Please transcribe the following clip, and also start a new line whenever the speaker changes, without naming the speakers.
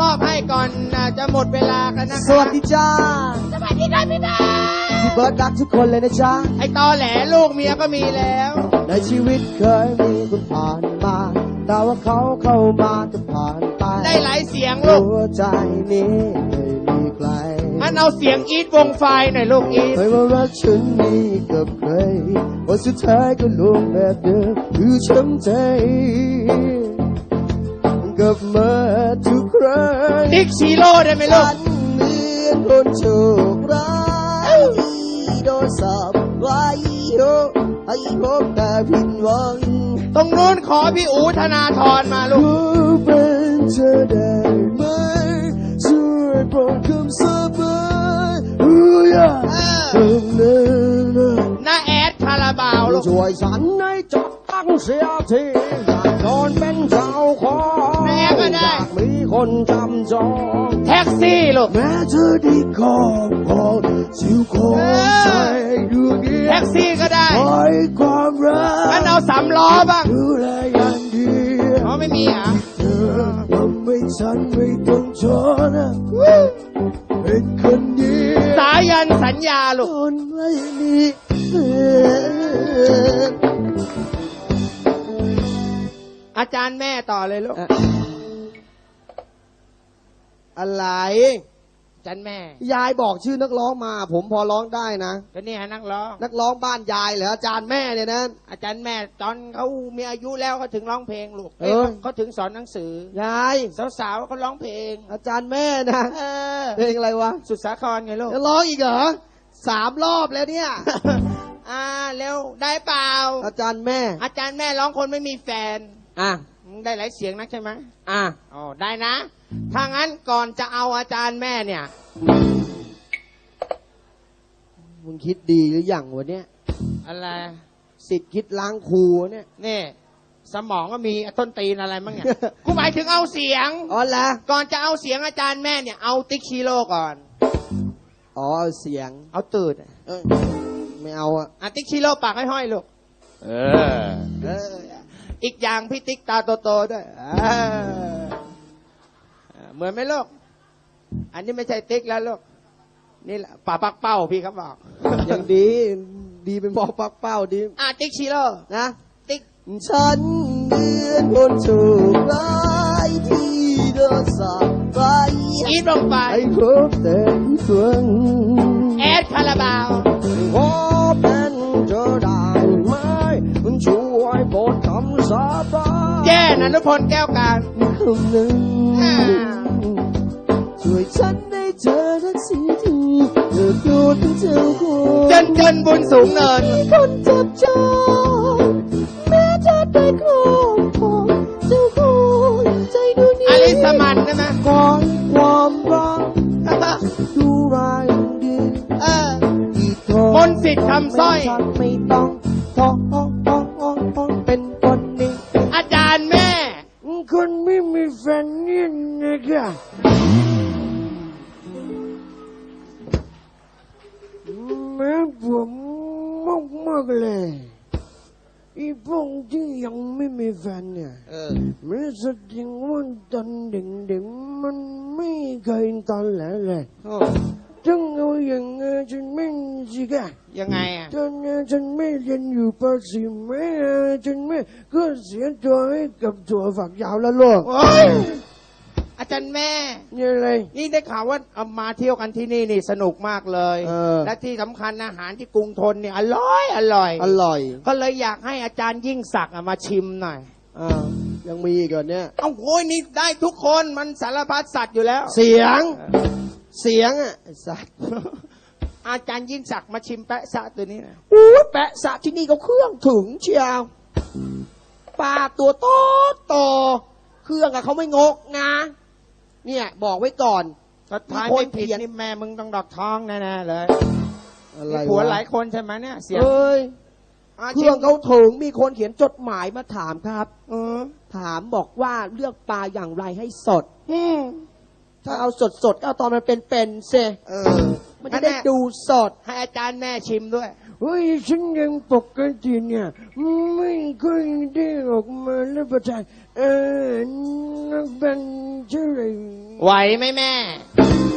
อบให้ก่อนจะหมดเวลากันนะคะ
สวัสดีจ้า
สวัสดีครับพี่เบิร์ด
พี่เบิร์ดรักทุกคนเลยนะจ๊ะ
ไอ้ตอแหลลูกเมียก็มีแล้ว
ในชีวิตเคยมีคนผ่านมาแต่ว่าเขาเข้ามาจะผ่านไป
ได้หลายเสียงลูก
หัวใจนี้ไม่มีใคร
งั้นเอาเสียงอีทวงไฟหน่อยลูกอีท
ไม่ว่ารักฉันมีกับใครว่าสุดท้ายก็ลงแบบเดิมคือช้ำใจกับมาทุกครั้ง
ติ๊กชีโร่ได้ไหมลูก
ฉันเหมือนคนโชคร้ายที่โดนสอบไว้ให้พบแต่ผิดหวัง
ตรงนู้นขอพี่อู๋ธนาธรมาลู
กเป็นเธอได้ไหมช่วยโปรดคำสาบาน
น้าแอดคาราบาวลูก
ช่วยฉันให้จับตั้งเสียทีอยากโดนเป็นเจ้าของ
แม่ก็ได้
อยากมีคนจำจอง
แท็กซี่ลูก
แม้เธอได้ขอบของสิวของใจดวงเดียว
แท็กซี่ก็ได้
ให้ความรัก
งั้นเอา3 ล้อบ้าง
ดูแลอย่างดี
อ๋อไม่มีอ่ะ
เธอทำให้ฉันไม่ต้องทนเป็นคนดี
สายันสัญญาลูก
คนไม่มี
อาจารย์แม่ต่อเลยลูก
อะไร
อาจารย์แม่
ยายบอกชื่อนักร้องมาผมพอร้องได้นะ
ก็นี่ฮะนักร้
องบ้านยายเหรออาจารย์แม่เนี่ยนะ
อาจารย์แม่ตอนเขามีอายุแล้วเขาถึงร้องเพลงลูกเขาถึงสอนหนังสือย
าย
สาวๆเขาร้องเพลง
อาจารย์แม่นะเพลงอะไรวะ
สุดสาครไงลูก
จะร้องอีกเหรอ3 รอบแล้วเนี่ย
เร็วได้เปล่า
อาจารย์แม่
ร้องคนไม่มีแฟน
อ่ะ
ได้หลายเสียงนักใช่ไหมอ๋อได้นะถ้างั้นก่อนจะเอาอาจารย์แม่เนี่ย
มึงคิดดีหรือยังวะเนี่ย
อะไร
สิทธิ์คิดล้างครูเนี่ย
นี่สมองก็มีต้นตีนอะไรมั้งเนี่ยกูหมายถึงเอาเสียง
อ๋อละ
ก่อนจะเอาเสียงอาจารย์แม่เนี่ยเอาติ๊กชิโร่ก่อน
อ๋อเอาเสียง
เอาตื่น
ไม่เอา
ติ๊กชิโร่ปากให้ห้อยลูกอีกอย่างพี่ติ๊กตาโตๆด้วยเหมือนไหมลูกอันนี้ไม่ใช่ติ๊กแล้วลูกนี่แหละป่าปักเป้าพี่เขาบอก
อย่างดีเป็นบอกปักเป้าดี
ติ๊กชิโร่
นะ
ติ๊ก
ฉันเหมือนคนโชคร้ายที่โดนสอบไป
อีทลงไป
ให้พบแต่ผู้หวัง
แอดคาราบาว
ขอเป็นเธอได้ไหมมันช่วยโปรดคำสาบาน
แย่นะนุพลแก้วการ
คำหนึ่งช่วยฉันได้เจอทักทีเธอดูเป็นเจ้าของ
จนบุญสูงเนิน
คนจับจองแม้จะได้ครอบครองเจ้าของใจดูนี้
อลิสมันใช่ไหม
ก่อนความรักดูรายดี
มนต์สิทธิ์คำสร้อย
ไม่ต้องท้องเป็นคนนี้
อาจารย์แม่
คนไม่มีแฟนนี่นะคะแม่ผมมากเลยอีพวกที่ยังไม่มีแฟนเนี่ยมันแสดงว่าตอนเด็กๆมันไม่เคยตอนแหลเลยจังเอาอย่างฉันไม่สิกะ
ยังไง
ตอนฉันไม่เรียนอยู่ป .4 ไม่ฉันไม่ก็เสียตัวให้กับถั่วฝักยาวแล้วลูก
อาจารย์แม่
นี่อะไร
นี่ได้ข่าวว่าเอามาเที่ยวกันที่นี่สนุกมากเลยและที่สำคัญอาหารที่กรุงทนเนี่ยอร่อยก็เลยอยากให้อาจารย์ยิ่งศักดิ์มาชิมหน่อย
ยังมีอีกเหรอเนี่ย
โอ้ยนี่ได้ทุกคนมันสารพัดสัตว์อยู่แล้ว
เสียงสัตว์
อาจารย์ยิ่งศักดิ์มาชิมแปะซะตัวนี้นะ
แปะซะที่นี่เขาเครื่องถึงเชียวปลาตัวโตเครื่องเขาไม่งกนะเนี่ยบอกไว้ก่อน
ถ้าทายไม่ผิดนี่แม่มึงต้องดอกท้องแน่ๆเลยอะไรผัวหลายคนใช่ไหมเนี่ยเสียง
เครื่องเขาถึงมีคนเขียนจดหมายมาถามครับถามบอกว่าเลือกปลาอย่างไรให้สดถ้าเอาสดก็เอาตอนมันเป็นเซมันจะได้ดูสด
ให้อาจารย์แม่ชิมด้วย
เฮ้ยฉันยังปกติเนี่ยไม่ค่อยได้ออกมาแล้วประทานนักบันเท่าไหร่
ไหวไหมแม่